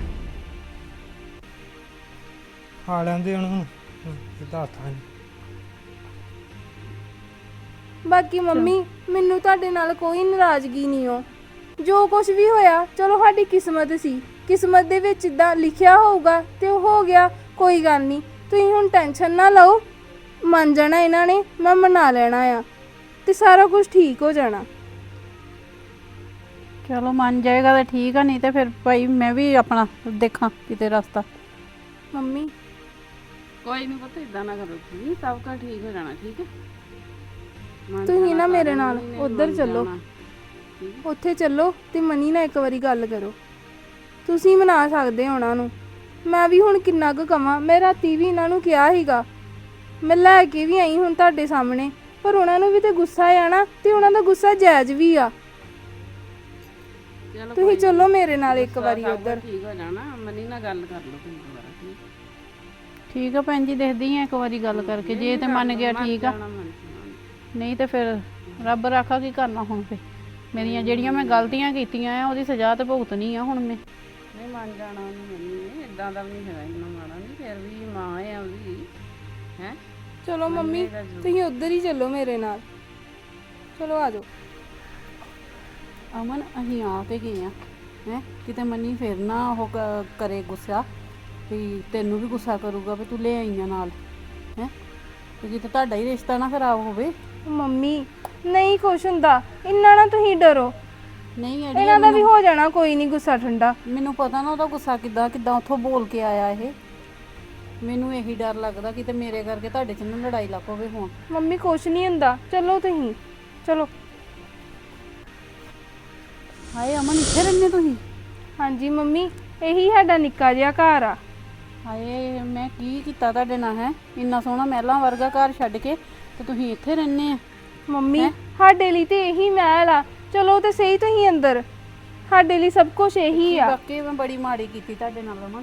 Speaker 4: ਆ ਲੈਂਦੇ ਉਹਨੂੰ ਇਹਦਾ ਹੱਥਾਂ 'ਚ।
Speaker 3: ਬਾਕੀ ਮੰਮੀ, ਮੈਨੂੰ ਤੁਹਾਡੇ ਨਾਲ ਕੋਈ ਨਾਰਾਜ਼ਗੀ ਨਹੀਂ ਹੋ। ਜੋ ਕੁਝ ਵੀ ਹੋਇਆ ਚਲੋ ਸਾਡੀ ਕਿਸਮਤ ਸੀ, ਕਿਸਮਤ ਦੇ ਵਿੱਚ ਇਦਾਂ ਲਿਖਿਆ ਹੋਊਗਾ ਤੇ ਉਹ ਹੋ ਗਿਆ। ਕੋਈ ਗੱਲ ਨਹੀਂ, ਤੁਸੀਂ ਹੁਣ ਟੈਨਸ਼ਨ ਨਾ ਲਓ, ਮੰਨ ਜਾਣਾ ਇਹਨਾਂ ਨੇ, ਮੈਂ ਮਨਾ ਲੈਣਾ ਆ ਤੇ ਸਾਰਾ ਕੁਝ ਠੀਕ ਹੋ ਜਾਣਾ।
Speaker 2: ਚਲੋ ਮੰਨ ਜਾਏਗਾ ਤਾਂ ਠੀਕ ਆ, ਨਹੀਂ ਤੇ ਫਿਰ ਭਾਈ ਮੈਂ ਵੀ ਆਪਣਾ ਦੇਖਾਂ ਕਿਤੇ ਰਸਤਾ।
Speaker 3: ਮੰਮੀ
Speaker 1: ਕੋਈ ਨਹੀਂ ਪਤਾ, ਇਦਾਂ ਨਾ ਕਰੋ ਜੀ, ਸਭ ਕੁਝ ਠੀਕ ਹੋ ਜਾਣਾ। ਠੀਕ ਹੈ,
Speaker 3: ਤੁਸੀਂ ਨਾ ਮੇਰੇ ਨਾਲ ਉੱਧਰ ਚੱਲੋ, ਉੱਥੇ ਚੱਲੋ ਤੇ ਮਨੀ ਨਾਲ ਇੱਕ ਵਾਰੀ ਗੱਲ ਕਰੋ। ਤੁਸੀਂ ਮਨਾ ਸਕਦੇ ਹੋ ਉਹਨਾਂ ਨੂੰ। ਮੈਂ ਵੀ ਹੁਣ ਕਿੰਨਾ ਕੁ ਕਵਾਂ, ਮੈਂ ਰਾਤੀ ਵੀ ਇਹਨਾਂ ਨੂੰ ਕਿਹਾ ਸੀਗਾ, ਮੈਂ ਲੈ ਕੇ ਵੀ ਆਈ ਹੁਣ ਤੁਹਾਡੇ ਸਾਹਮਣੇ, ਪਰ ਉਹਨਾਂ ਨੂੰ ਵੀ ਤੇ ਗੁੱਸਾ ਆ ਨਾ, ਤੇ ਉਹਨਾਂ ਦਾ ਗੁੱਸਾ ਜਾਇਜ਼ ਵੀ ਆ। ਤੁਸੀਂ ਚੱਲੋ ਮੇਰੇ ਨਾਲ ਇੱਕ ਵਾਰੀ ਉੱਧਰ।
Speaker 1: ਠੀਕ ਹੋ ਜਾਣਾ, ਮਨੀ ਨਾਲ ਗੱਲ ਕਰ ਲਓ ਤੁਸੀਂ ਦੁਬਾਰਾ।
Speaker 2: ਠੀਕ ਆ ਭੈਣ ਜੀ, ਦੇਖਦੀ ਆ ਇੱਕ ਵਾਰੀ ਗੱਲ ਕਰਕੇ, ਜੇ ਤੇ ਮੰਨ ਗਿਆ ਠੀਕ ਆ, ਨਹੀਂ ਤੇ ਫਿਰ ਰੱਬ ਰਾਖਾ ਕੀ ਕਰਨਾ ਹੁਣ ਫੇ। ਮੇਰੀਆਂ ਜਿਹੜੀਆਂ ਮੈਂ ਗਲਤੀਆਂ ਕੀਤੀਆਂ ਆ ਉਹਦੀ ਸਜ਼ਾ ਤੇ ਭੁਗਤਣੀ ਆ ਹੁਣ ਮੈਂ।
Speaker 1: ਨਹੀਂ ਮੰਨ ਜਾਣਾ ਉਹਨੂੰ ਮੰਮੀ ਨੇ, ਇਦਾਂ ਦਾ ਵੀ ਨਹੀਂ ਹੈਗਾ, ਇੰਨਾ ਮਾੜਾ ਨਹੀਂ, ਫਿਰ ਵੀ ਮਾਂ ਆ ਉਹਦੀ ਹੈ।
Speaker 3: ਚਲੋ ਮੰਮੀ ਤੁਸੀਂ ਉੱਧਰ ਹੀ ਚੱਲੋ ਮੇਰੇ ਨਾਲ, ਚਲੋ ਆ ਜਾਓ।
Speaker 2: ਅਮਨ ਅਸੀਂ ਆ ਤੇ ਗਏ ਆ ਹੈ, ਕਿਤੇ ਮੰਨੀ ਫਿਰ ਨਾ ਉਹ ਕਰੇ ਗੁੱਸਾ ਵੀ ਤੈਨੂੰ ਵੀ ਗੁੱਸਾ ਕਰੂਗਾ ਵੀ ਤੂੰ ਲੈ ਆਈਆਂ ਨਾਲ ਹੈ, ਤੇ ਕਿਤੇ ਤੁਹਾਡਾ ਹੀ ਰਿਸ਼ਤਾ ਨਾ ਖਰਾਬ ਹੋਵੇ।
Speaker 3: ਮੰਮੀ ਨਹੀਂ ਕੁਛ ਹੁੰਦਾ, ਇੰਨਾ ਨਾ ਤੁਸੀਂ ਡਰੋ,
Speaker 2: ਨਹੀਂ
Speaker 3: ਇਹਨਾਂ ਦਾ ਵੀ ਹੋ ਜਾਣਾ, ਕੋਈ ਨਹੀਂ ਗੁੱਸਾ ਠੰਡਾ।
Speaker 2: ਮੈਨੂੰ ਪਤਾ ਨਾ ਉਹਦਾ ਗੁੱਸਾ ਕਿੱਦਾਂ ਉੱਥੋਂ ਬੋਲ ਕੇ ਆਇਆ ਇਹ, ਮੈਨੂੰ ਇਹੀ ਡਰ ਲੱਗਦਾ ਕਿਤੇ ਮੇਰੇ ਕਰਕੇ ਤੁਹਾਡੇ 'ਚ ਨਾ ਲੜਾਈ ਲੱਗ ਪਵੇ ਹੁਣ।
Speaker 3: ਮੰਮੀ ਕੁਛ ਨਹੀਂ ਹੁੰਦਾ, ਚਲੋ ਤੁਸੀਂ ਚਲੋ।
Speaker 2: ਹਾਏ ਅਮਨ, ਇੱਥੇ ਰਹਿੰਦੇ ਤੁਸੀਂ?
Speaker 3: ਹਾਂਜੀ ਮੰਮੀ, ਇਹੀ ਸਾਡਾ ਨਿੱਕਾ ਜਿਹਾ ਘਰ ਆ।
Speaker 2: ਹਾਏ ਮੈਂ ਕੀ ਕੀਤਾ ਤੁਹਾਡੇ ਨਾਲ ਹੈ, ਇੰਨਾ ਸੋਹਣਾ ਮਹਿਲਾਂ ਵਰਗਾ ਘਰ ਛੱਡ ਕੇ ਤੇ ਤੁਸੀਂ ਇੱਥੇ ਰਹਿੰਦੇ ਆ।
Speaker 3: ਮੰਮੀ ਸਾਡੇ ਲਈ ਤੇ ਇਹੀ ਮਹਿਲ ਆ, ਚਲੋ ਤੇ ਸਹੀ ਤੁਸੀਂ ਅੰਦਰ, ਸਾਡੇ ਲਈ ਸਭ ਕੁਝ ਇਹੀ ਆ।
Speaker 2: ਬਾਕੀ ਮੈਂ ਬੜੀ ਮਾੜੀ ਕੀਤੀ ਤੁਹਾਡੇ ਨਾਲ ਅਮਨ।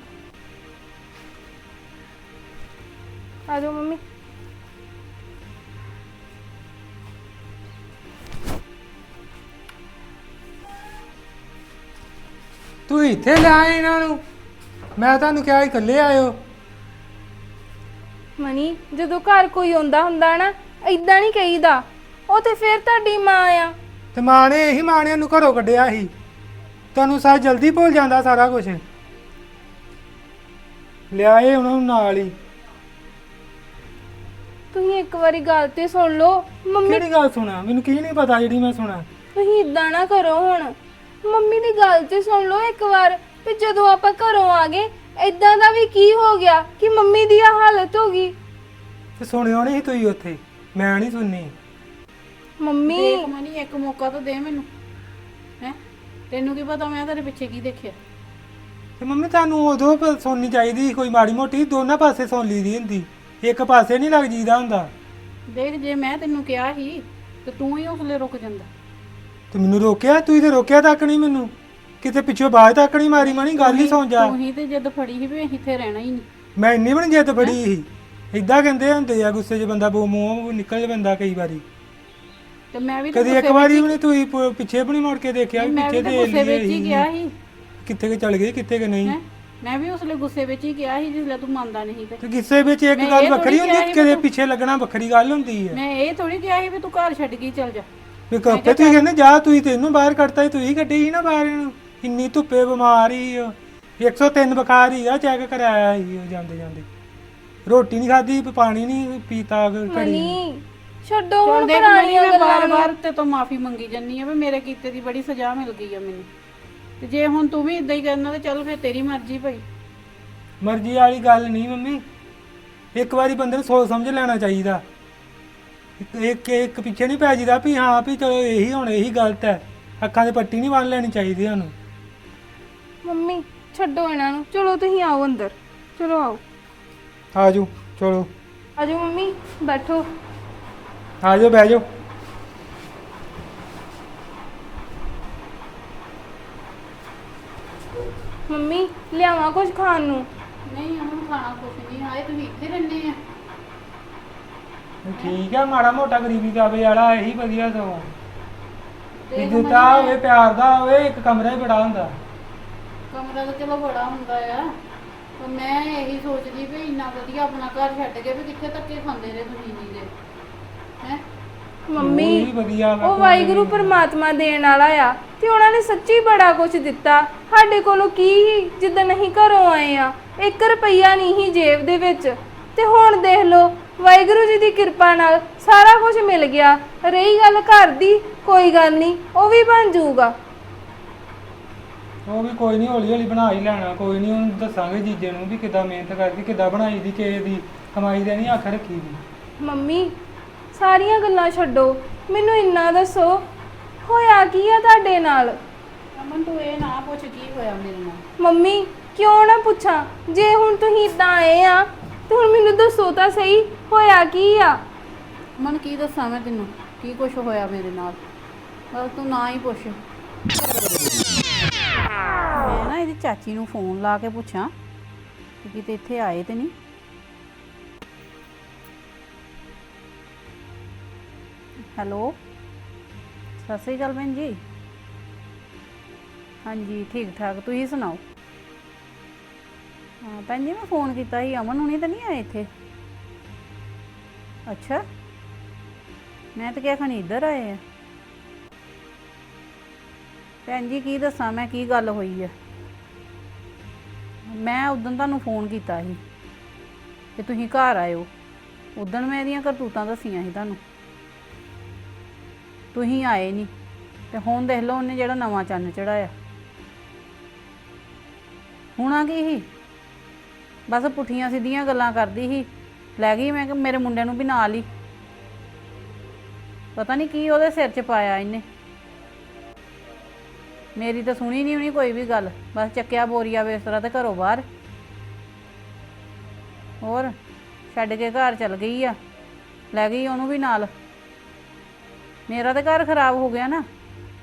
Speaker 3: ਆ ਜਾਓ ਮੰਮੀ।
Speaker 4: ਤੂੰ ਇੱਥੇ ਲਿਆਏ ਇਹਨਾਂ ਨੂੰ, ਮੈਂ ਤੁਹਾਨੂੰ ਕਿਹਾ ਇਕੱਲੇ ਆਇਓ।
Speaker 3: ਮਨੀ ਜਦੋਂ ਘਰ ਕੋਈ ਆਉਂਦਾ ਹੁੰਦਾ ਨਾ, ਇਦਾਂ ਨਹੀਂ ਕਹੀਦਾ, ਉਹ ਤੇ ਫਿਰ ਤੁਹਾਡੀ ਮਾਂ ਆ।
Speaker 4: ਤੇ ਮਾਂ ਨੇ ਇਹੀ ਮਾਂ ਨੇ ਉਹਨੂੰ ਘਰੋਂ ਕੱਢਿਆ ਸੀ, ਤੁਹਾਨੂੰ ਸਾਰਾ ਜਲਦੀ ਭੁੱਲ ਜਾਂਦਾ ਸਾਰਾ ਕੁਝ। ਲਿਆਏ ਉਹਨਾਂ ਨੂੰ ਨਾਲ ਹੀ।
Speaker 3: ਤੁਸੀਂ ਇੱਕ ਵਾਰੀ ਗੱਲ ਤੇ ਸੁਣ ਲਓ ਮੰਮੀ,
Speaker 4: ਕਿਹੜੀ ਗੱਲ ਸੁਣਾ, ਮੈਨੂੰ ਕੀ ਨਹੀਂ ਪਤਾ ਜਿਹੜੀ ਮੈਂ ਸੁਣਾ।
Speaker 3: ਤੁਸੀਂ ਇਦਾਂ ਨਾ ਕਰੋ ਹੁਣ, ਮੰਮੀ ਦੀ ਗੱਲ ਤੇ ਸੁਣ ਲਓ ਇੱਕ ਵਾਰ, ਤੇ ਜਦੋਂ ਆਪਾਂ ਘਰੋਂ ਆ ਗਏ ਇਦਾਂ ਦਾ ਵੀ ਕੀ ਹੋ ਗਿਆ ਕਿ ਮੰਮੀ ਦੀ ਆ ਹਾਲਤ ਹੋ ਗਈ।
Speaker 4: ਤੇ ਸੁਣਿਓ ਨਹੀਂ ਤੁਸੀਂ ਉੱਥੇ, ਮੈਂ ਨਹੀਂ ਸੁਣਨੀ।
Speaker 3: ਮੰਮੀ
Speaker 2: ਦੇਖ ਮਨੀ, ਇੱਕ ਮੌਕਾ ਤਾਂ ਦੇ ਮੈਨੂੰ ਹੈ, ਤੈਨੂੰ ਕੀ ਪਤਾ ਮੈਂ ਤੇਰੇ ਪਿੱਛੇ ਕੀ ਦੇਖਿਆ।
Speaker 4: ਤੇ ਮੰਮੀ ਤੁਹਾਨੂੰ ਉਦੋਂ ਸੁਣਨੀ ਚਾਹੀਦੀ, ਕੋਈ ਮਾੜੀ ਮੋਟੀ ਦੋਨਾਂ ਪਾਸੇ ਸੁਣ ਲਈਦੀ ਹੁੰਦੀ, ਇੱਕ ਪਾਸੇ ਨਹੀਂ ਲੱਗ ਜੀਦਾ ਹੁੰਦਾ।
Speaker 2: ਦੇਖ ਜੇ ਮੈਂ ਤੈਨੂੰ ਕਿਹਾ ਸੀ ਤੇ ਤੂੰ ਹੀ ਉਸਲੇ ਰੁਕ ਜਾਂਦਾ।
Speaker 4: ਤੇ ਮੈਨੂੰ ਰੋਕਿਆ, ਤੁਸੀਂ ਤੇ ਰੋਕਿਆ ਤੱਕ ਨਹੀਂ ਮੈਨੂੰ, ਕਿਤੇ ਪਿੱਛੋਂ ਬਾਜ ਤੱਕ ਨਹੀਂ ਮਾਰੀ ਮਣੀ, ਗੱਲ ਹੀ ਸੁਣ ਜਾ।
Speaker 2: ਤੂੰ ਹੀ ਤੇ ਜਿੱਦ ਫੜੀ ਸੀ ਵੀ ਅਸੀਂ ਇੱਥੇ ਰਹਿਣਾ ਹੀ ਨਹੀਂ।
Speaker 4: ਮੈਂ ਇੰਨੀ ਬਣ ਜਿੱਦ ਫੜੀ ਸੀ, ਇਦਾਂ ਕਹਿੰਦੇ ਹੁੰਦੇ ਆ ਗੁੱਸੇ 'ਚ ਬੰਦਾ ਮੂੰਹ ਨਿਕਲ ਜਾਂਦਾ ਕਈ ਵਾਰੀ।
Speaker 2: ਤੇ ਮੈਂ ਵੀ
Speaker 4: ਕਦੀ ਇੱਕ ਵਾਰੀ ਵੀ ਨਹੀਂ ਤੁਸੀਂ ਪਿੱਛੇ ਵੀ ਨਹੀਂ ਮੁੜ ਕੇ ਦੇਖਿਆ ਵੀ
Speaker 2: ਮੈਂ
Speaker 4: ਪਿੱਛੇ
Speaker 2: ਵੀ
Speaker 4: ਦੇ
Speaker 2: ਗੁੱਸੇ ਵਿੱਚ ਹੀ ਗਿਆ ਸੀ
Speaker 4: ਕਿੱਥੇ ਕਿ ਚਲ ਗਏ ਕਿੱਥੇ ਕਿ ਨਹੀਂ।
Speaker 2: ਹੈਂ? ਮੈਂ ਵੀ ਉਸਲੇ ਗੁੱਸੇ ਵਿੱਚ ਹੀ ਗਿਆ ਸੀ ਜਿਸਲੇ ਤੂੰ ਮੰਨਦਾ ਨਹੀਂ ਤੇ
Speaker 4: ਤੇ ਗੁੱਸੇ ਵਿੱਚ ਇੱਕ
Speaker 2: ਮੈਂ
Speaker 4: ਗੱਲ
Speaker 2: ਇਹ
Speaker 4: ਵੱਖਰੀ
Speaker 2: ਥੋੜ੍ਹੀ
Speaker 4: ਹੁੰਦੀ,
Speaker 2: ਕਿਹਾ
Speaker 4: ਕਦੇ ਪਿੱਛੇ ਲੱਗਣਾ ਵੱਖਰੀ ਗੱਲ ਹੁੰਦੀ ਹੈ।
Speaker 2: ਮੈਂ ਇਹ ਥੋੜੀ ਕਿਹਾ ਸੀ ਵੀ ਤੂੰ ਘਰ ਛੱਡ ਕੇ ਚੱਲ ਜਾ।
Speaker 4: ਵੀ ਕੱਪੇ ਤੁਸੀਂ ਕਹਿੰਦੇ ਜਾ, ਤੁਸੀਂ ਤੈਨੂੰ ਬਾਹਰ ਕੱਢਤਾ ਸੀ, ਤੁਸੀਂ ਕੱਢੀ ਸੀ ਨਾ ਬਾਹਰ ਇਹਨੂੰ, ਇੰਨੀ ਧੁੱਪੇ ਬਿਮਾਰ ਹੀ 103 ਬੁਖਾਰ ਹੀ ਆ, ਚੈੱਕ ਕਰਾਇਆ ਸੀ ਜਾਂਦੇ ਜਾਂਦੇ, ਰੋਟੀ ਨਹੀਂ ਖਾਧੀ, ਪਾਣੀ ਨਹੀਂ ਪੀਤਾ ਘੜੀ।
Speaker 3: ਮਨੀ ਛੱਡੋ ਹੁਣ
Speaker 2: ਦੇਖ
Speaker 3: ਪੁਰਾਣੀਆਂ
Speaker 2: ਮੈਂ
Speaker 3: ਗੱਲਾਂ ਨੂੰ।
Speaker 2: ਬਾਰ-ਬਾਰ ਤੇ ਤੋਂ ਮਾਫੀ ਮੰਗੀ ਜੰਨੀ ਆ ਵੀ ਮੇਰੇ ਕੀਤੇ ਦੀ ਬੜੀ ਸਜ਼ਾ ਮਿਲ ਗਈ ਆ ਮੈਨੂੰ, ਤੇ ਜੇ ਹੁਣ ਤੂੰ ਵੀ ਇਦਾਂ ਹੀ ਕਰਨਾ ਤੇ ਚੱਲ ਫਿਰ ਤੇਰੀ ਮਰਜ਼ੀ ਭਾਈ।
Speaker 4: ਮਰਜ਼ੀ ਵਾਲੀ ਗੱਲ ਨਹੀਂ ਮੰਮੀ, ਇੱਕ ਵਾਰੀ ਬੰਦੇ ਨੂੰ ਸੋਚ ਸਮਝ ਲੈਣਾ ਚਾਹੀਦਾ, ਇੱਕ ਪਿੱਛੇ ਨਹੀਂ ਪੈ ਜੀਦਾ ਵੀ ਹਾਂ ਵੀ ਚਲੋ ਇਹੀ ਹੁਣ ਇਹੀ ਗਲਤ ਹੈ, ਅੱਖਾਂ 'ਤੇ ਪੱਟੀ ਨਹੀਂ ਬੰਨ ਲੈਣੀ ਚਾਹੀਦੀ ਸਾਨੂੰ।
Speaker 3: ਮੰਮੀ ਛੱਡੋ ਇਹਨਾਂ ਨੂੰ, ਚਲੋ ਤੁਸੀਂ ਆਓ ਅੰਦਰ, ਚਲੋ ਆਓ।
Speaker 4: ਆਜੋ ਚਲੋ,
Speaker 3: ਆਜੋ ਮੰਮੀ ਬੈਠੋ।
Speaker 4: ਆਜੋ ਬਹਿ ਜਾਓ।
Speaker 3: ਮੰਮੀ ਲਿਆਵਾਂ ਕੁਝ ਖਾਣ ਨੂੰ?
Speaker 2: ਨਹੀਂ ਉਹਨੂੰ ਖਾਣਾ ਕੁਛ ਨਹੀਂ, ਹਾਏ ਤੁਸੀਂ ਇੱਥੇ ਰਹਿੰਦੇ ਆ।
Speaker 4: ਠੀਕ ਹੈ, ਮਾੜਾ ਮੋਟਾ ਗਰੀਬੀ ਕਾਬੇ ਵਾਲਾ ਇਹੀ ਵਧੀਆ ਸਗੋਂ, ਇੱਜ਼ਤਾ ਹੋਵੇ ਪਿਆਰ ਦਾ ਹੋਵੇ, ਇੱਕ ਕਮਰਾ ਹੀ ਬੜਾ ਹੁੰਦਾ।
Speaker 2: ਕਮਰਾ ਤਾਂ ਚਲੋ ਬੜਾ ਹੁੰਦਾ ਆ, ਪਰ ਮੈਂ ਇਹੀ ਸੋਚਦੀ ਵੀ ਇੰਨਾ ਵਧੀਆ ਆਪਣਾ ਘਰ ਛੱਡ ਕੇ ਵੀ ਕਿੱਥੇ ਧੱਕੇ ਖਾਂਦੇ ਰਹੇ ਤੁਸੀਂ ਜੀ ਦੇ ਹੈ।
Speaker 3: ਮੰਮੀ
Speaker 4: ਉਹੀ ਵਧੀਆ ਵਾ,
Speaker 3: ਉਹ ਵਾਹਿਗੁਰੂ ਪਰਮਾਤਮਾ ਦੇਣ ਵਾਲਾ ਆ, ਤੇ ਉਹਨਾਂ ਨੇ ਸੱਚੀ ਬੜਾ ਕੁਝ ਦਿੱਤਾ ਸਾਡੇ ਕੋਲੋਂ। ਕੀ ਹੀ ਜਿੱਦਾਂ ਅਸੀਂ ਘਰੋਂ ਆਏ ਆ, 1 ਰੁਪਈਆ ਨਹੀਂ ਹੀ ਜੇਬ ਦੇ ਵਿੱਚ, ਤੇ ਹੁਣ ਦੇਖ ਲਓ ਵਾਹਿਗੁਰੂ ਜੀ ਦੀ ਕਿਰਪਾ ਨਾਲ ਸਾਰਾ ਕੁਝ ਮਿਲ ਗਿਆ। ਰਹੀ ਗੱਲ ਘਰ ਦੀ, ਕੋਈ ਗੱਲ ਨਹੀਂ, ਉਹ ਵੀ ਬਣ ਜਾਊਗਾ।
Speaker 4: ਉਹ ਵੀ ਕੋਈ ਨਹੀਂ, ਹੌਲੀ ਹੌਲੀ ਬਣਾ ਹੀ ਲੈਣਾ, ਕੋਈ ਨਹੀਂ, ਉਹਨੂੰ ਦੱਸਾਂਗੇ ਜੀਜੇ ਨੂੰ ਵੀ ਕਿੱਦਾਂ ਮਿਹਨਤ ਕਰਕੇ ਕਿੱਦਾਂ ਬਣਾਈ ਦੀ, ਕਿਸੇ ਦੀ ਕਮਾਈ ਦੇ ਨਹੀਂ ਅੱਖ ਰੱਖੀ ਦੀ।
Speaker 3: ਮੰਮੀ ਸਾਰੀਆਂ ਗੱਲਾਂ ਛੱਡੋ, ਮੈਨੂੰ ਇੰਨਾ ਦੱਸੋ ਹੋਇਆ ਕੀ ਆ ਤੁਹਾਡੇ ਨਾਲ?
Speaker 2: ਅਮਨ ਤੂੰ ਇਹ ਨਾ ਪੁੱਛ ਕੀ ਹੋਇਆ ਮੇਰੇ ਨਾਲ।
Speaker 3: ਮੰਮੀ ਕਿਉਂ ਨਾ ਪੁੱਛਾਂ, ਜੇ ਹੁਣ ਤੁਸੀਂ ਇਦਾਂ ਆਏ ਆ ਤੇ ਹੁਣ ਮੈਨੂੰ ਦੱਸੋ ਤਾਂ ਸਹੀ ਹੋਇਆ ਕੀ ਆ?
Speaker 2: ਅਮਨ ਕੀ ਦੱਸਾਂ ਮੈਂ ਤੈਨੂੰ ਕੀ ਕੁਛ ਹੋਇਆ ਮੇਰੇ ਨਾਲ, ਬਸ ਤੂੰ ਨਾ ਹੀ ਪੁੱਛ। ਮੈਂ ਨਾ ਇਹਦੀ ਚਾਚੀ ਨੂੰ ਫੋਨ ਲਾ ਕੇ ਪੁੱਛਾਂ ਕਿ ਕਿਤੇ ਇੱਥੇ ਆਏ ਤੇ ਨਹੀਂ, ਹੈਲੋ, ਸਤਿ ਸ਼੍ਰੀ ਅਕਾਲ ਭੈਣ ਜੀ। ਹਾਂਜੀ ਠੀਕ ਠਾਕ, ਤੁਸੀਂ ਸੁਣਾਓ। ਹਾਂ ਭੈਣ ਜੀ, ਮੈਂ ਫੋਨ ਕੀਤਾ ਸੀ, ਅਮਨ ਹੁਣੀ ਤਾਂ ਨਹੀਂ ਆਏ ਇੱਥੇ? ਅੱਛਾ, ਮੈਂ ਤਾਂ ਕਿਹਾ ਖਣੀ ਇੱਧਰ ਆਏ ਆ। ਭੈਣ ਜੀ ਕੀ ਦੱਸਾਂ ਮੈਂ, ਕੀ ਗੱਲ ਹੋਈ ਆ। ਮੈਂ ਉਦੋਂ ਤੁਹਾਨੂੰ ਫੋਨ ਕੀਤਾ ਸੀ ਕਿ ਤੁਸੀਂ ਘਰ ਆਇਓ। ਉਦੋਂ ਮੈਂ ਇਹਦੀਆਂ ਕਰਤੂਤਾਂ ਦੱਸੀਆਂ ਸੀ ਤੁਹਾਨੂੰ, ਤੁਸੀਂ ਆਏ ਨਹੀਂ। ਤੇ ਹੁਣ ਦੇਖ ਲਓ ਉਹਨੇ ਜਿਹੜਾ ਨਵਾਂ ਚੰਨ ਚੜਾਇਆ। ਹੋਣਾ ਕੀ ਸੀ, ਬਸ ਪੁੱਠੀਆਂ ਸਿੱਧੀਆਂ ਗੱਲਾਂ ਕਰਦੀ ਸੀ। ਲੈ ਗਈ ਮੈਂ ਕਿ ਮੇਰੇ ਮੁੰਡੇ ਨੂੰ ਵੀ ਨਾਲ ਹੀ, ਪਤਾ ਨਹੀਂ ਕੀ ਉਹਦੇ ਸਿਰ 'ਚ ਪਾਇਆ ਇਹਨੇ। ਮੇਰੀ ਤਾਂ ਸੁਣੀ ਨਹੀਂ ਹੋਣੀ ਕੋਈ ਵੀ ਗੱਲ, ਬਸ ਚੱਕਿਆ ਬੋਰੀਆ ਬਿਸਤਰਾ ਤੇ ਘਰੋਂ ਬਾਹਰ। ਹੋਰ ਛੱਡ ਕੇ ਘਰ ਚਲ ਗਈ ਆ, ਲੈ ਗਈ ਉਹਨੂੰ ਵੀ ਨਾਲ। ਮੇਰਾ ਤਾਂ ਘਰ ਖਰਾਬ ਹੋ ਗਿਆ ਨਾ।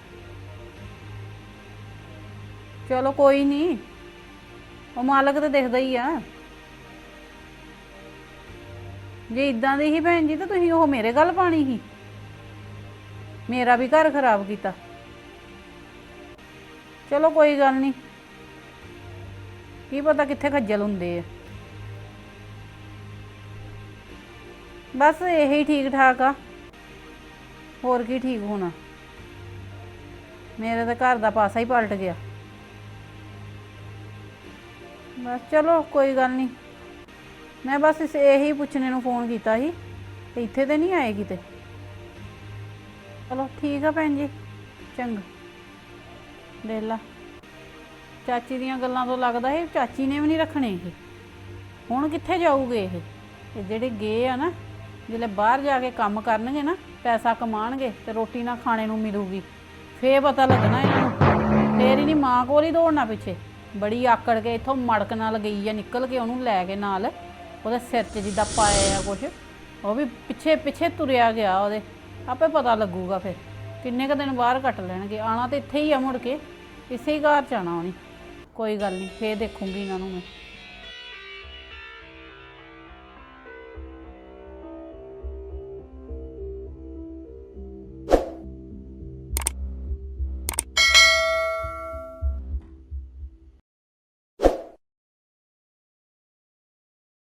Speaker 2: ਚਲੋ ਕੋਈ ਨਹੀਂ, ਉਹ ਮਾਲਕ ਤਾਂ ਦਿਖਦਾ ਹੀ ਆ। ਜੇ ਇਦਾਂ ਦੀ ਸੀ ਭੈਣ ਜੀ ਤਾਂ ਤੁਸੀਂ ਉਹ ਮੇਰੇ ਗੱਲ ਪਾਣੀ ਸੀ, ਮੇਰਾ ਵੀ ਘਰ ਖਰਾਬ ਕੀਤਾ। ਚਲੋ ਕੋਈ ਗੱਲ ਨਹੀਂ, ਕੀ ਪਤਾ ਕਿੱਥੇ ਖੱਜਲ ਹੁੰਦੇ ਆ। ਬਸ ਇਹੀ ਠੀਕ ਠਾਕ ਆ, ਹੋਰ ਕੀ ਠੀਕ ਹੋਣਾ। ਮੇਰੇ ਤਾਂ ਘਰ ਦਾ ਪਾਸਾ ਹੀ ਪਲਟ ਗਿਆ। ਬਸ ਚਲੋ ਕੋਈ ਗੱਲ ਨਹੀਂ, ਮੈਂ ਬਸ ਇਹੀ ਪੁੱਛਣੇ ਨੂੰ ਫੋਨ ਕੀਤਾ ਸੀ ਤੇ ਇੱਥੇ ਤੇ ਨਹੀਂ ਆਏ ਕਿਤੇ। ਚਲੋ ਠੀਕ ਆ ਭੈਣ ਜੀ, ਚੰਗਾ। ਦੇਖ ਲਾ, ਚਾਚੀ ਦੀਆਂ ਗੱਲਾਂ ਤੋਂ ਲੱਗਦਾ ਇਹ ਚਾਚੀ ਨੇ ਵੀ ਨਹੀਂ ਰੱਖਣੇ। ਇਹ ਹੁਣ ਕਿੱਥੇ ਜਾਊਗੇ? ਇਹ ਜਿਹੜੇ ਗਏ ਆ ਨਾ, ਜਿਹੜੇ ਬਾਹਰ ਜਾ ਕੇ ਕੰਮ ਕਰਨਗੇ ਨਾ, ਪੈਸਾ ਕਮਾਉਣਗੇ ਤੇ ਰੋਟੀ ਨਾ ਖਾਣੇ ਨੂੰ ਮਿਲੂਗੀ, ਫੇਰ ਪਤਾ ਲੱਗਣਾ ਇਹਨਾਂ ਨੂੰ। ਫੇਰ ਹੀ ਨਹੀਂ ਮਾਂ ਕੋਲ ਹੀ ਦੌੜਨਾ ਪਿੱਛੇ। ਬੜੀ ਆਕੜ ਕੇ ਇੱਥੋਂ ਮੜਕ ਨਾਲ ਗਈ ਆ ਨਿਕਲ ਕੇ, ਉਹਨੂੰ ਲੈ ਕੇ ਨਾਲ, ਉਹਦੇ ਸਿਰ 'ਚ ਜਿੱਦਾਂ ਪਾਇਆ ਆ ਕੁਛ, ਉਹ ਵੀ ਪਿੱਛੇ ਪਿੱਛੇ ਤੁਰਿਆ ਗਿਆ ਉਹਦੇ। ਆਪੇ ਪਤਾ ਲੱਗੂਗਾ ਫਿਰ ਕਿੰਨੇ ਕੁ ਦਿਨ ਬਾਹਰ ਕੱਟ ਲੈਣਗੇ। ਆਉਣਾ ਤਾਂ ਇੱਥੇ ਹੀ ਆ, ਮੁੜ ਕੇ ਇਸੇ ਹੀ ਘਰ 'ਚ ਆਉਣਾ ਉਹਨੇ। ਕੋਈ ਗੱਲ ਨਹੀਂ, ਫੇਰ ਦੇਖੂੰਗੀ ਇਹਨਾਂ ਨੂੰ ਮੈਂ।